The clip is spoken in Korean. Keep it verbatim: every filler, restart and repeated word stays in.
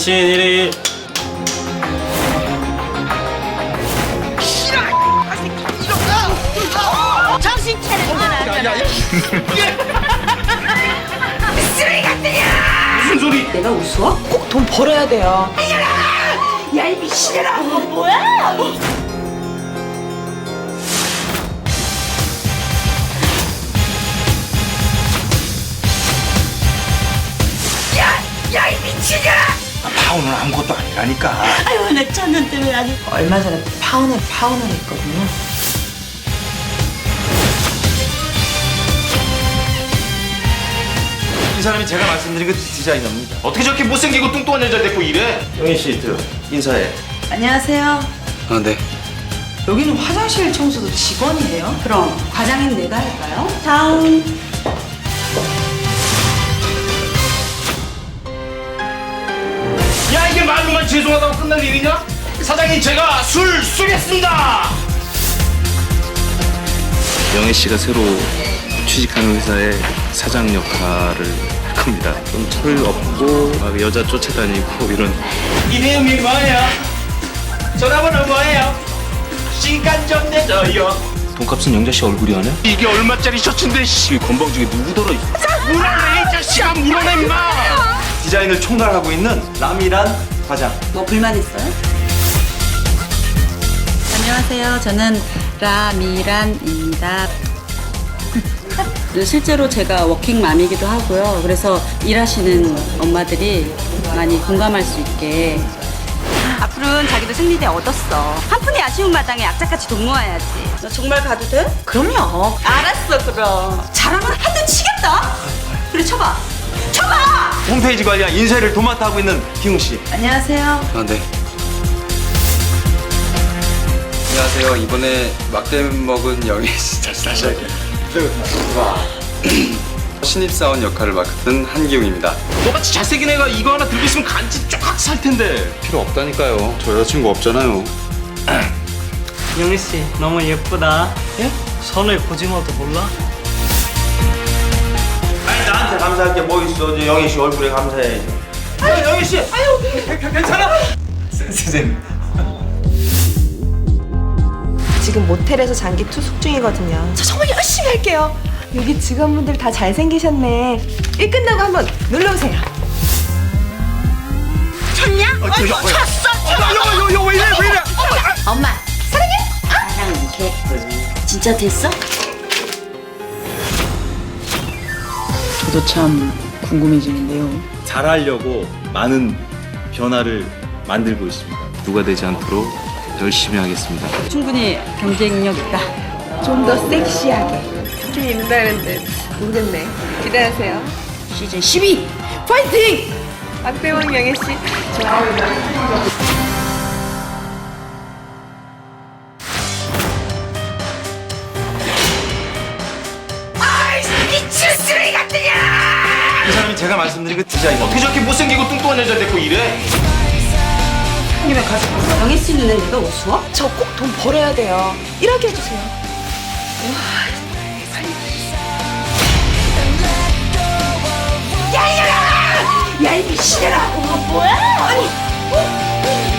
당신이리. 싫어! 아 새끼 이거! 정신 차리고 나가라! 쓰레기 같으냐! 무슨 소리? 내가 우스워? 꼭 돈 벌어야 돼요. 야 이 미친년아! 어, 뭐야? 야 이 미친년아! 파혼은 아무것도 아니라니까. 아유 내 천년 때문에 아주. 얼마 전에 파혼을 파혼을 했거든요. 이 사람이 제가 말씀드린 그 디자이너입니다. 어떻게 저렇게 못생기고 뚱뚱한 여자를 데리고 이래? 영희 씨, 들어. 인사해. 안녕하세요. 아, 네. 여기는 화장실 청소도 직원이에요? 그럼 과장님 내가 할까요? 다음. 야, 이게 말로만 죄송하다고 끝날 일이냐? 사장님, 제가 술 쏘겠습니다. 영애 씨가 새로 취직하는 회사의 사장 역할을 할 겁니다. 좀 철 없고 막 여자 쫓아다니고 이런. 이름이 뭐예요? 전화번호 뭐예요? 시간 좀 내줘요. 돈값은 영자 씨 얼굴이 아냐? 이게 얼마짜리 셔츠인데 씨. 이 건방지게 누구더라? 물어내 이 자식아, 물어내 임마. 디자인을 총괄하고 있는 라미란 과장. 뭐 불만 있어요? 안녕하세요. 저는 라미란입니다. 실제로 제가 워킹맘이기도 하고요. 그래서 일하시는 엄마들이 많이 공감할 수 있게 앞으로는 자기도 승리대 얻었어. 한 푼이 아쉬운 마당에 악착같이 돈 모아야지. 너 정말 가도 돼? 그럼요. 알았어 그럼. 잘하면 한 대 치겠다. 그래 쳐봐. 쳐봐. 홈페이지 관리와 인쇄를 도맡아 하고 있는 기웅 씨. 안녕하세요. 아, 네. 안녕하세요. 이번에 막대 먹은 영애 씨. 다시 다시 할게요. 신입사원 역할을 맡은 한기웅입니다. 너같이 잘생긴 애가 이거 하나 들고 있으면 간지 쫙 살 텐데. 필요 없다니까요. 저 여자친구 없잖아요. 영희 씨 너무 예쁘다. 예? 선을 보지마도 몰라? 아니, 나한테 감사할 게 뭐 있어? 이제 영희 씨 얼굴에 감사해야지. 아유, 영희 씨. 아유, 괜찮아. 선생님. 지금 모텔에서 장기 투숙 중이거든요. 저 정말 열심히 할게요. 여기 직원분들 다 잘생기셨네. 일 끝나고 한번 놀러 오세요. 쳤냐? 어, 쳤어! 요요요왜 이래 왜 이래? 엄마 사랑해. 사랑 개뿔. 진짜 됐어? 저도 참 궁금해지는데요. 잘하려고 많은 변화를 만들고 있습니다. 누가 되지 않도록 열심히 하겠습니다. 충분히 경쟁력 있다. 좀 더 섹시하게. 느낌이 있는다는데 모르겠네. 기대하세요. 시즌 십이. 파이팅! 박대원 영애 씨 좋아요. 미친 쓰레기 같으냐! 이 사람이 제가 말씀드린 그 디자이너. 어떻게 저렇게 못생기고 뚱뚱한 여자를 데리고 이래? 영애 씨 눈엔 내가 우스워? 저 꼭 돈 벌어야 돼요. 일하게 해주세요. 야 이 미친년아! 어, 뭐야? 아니, 어?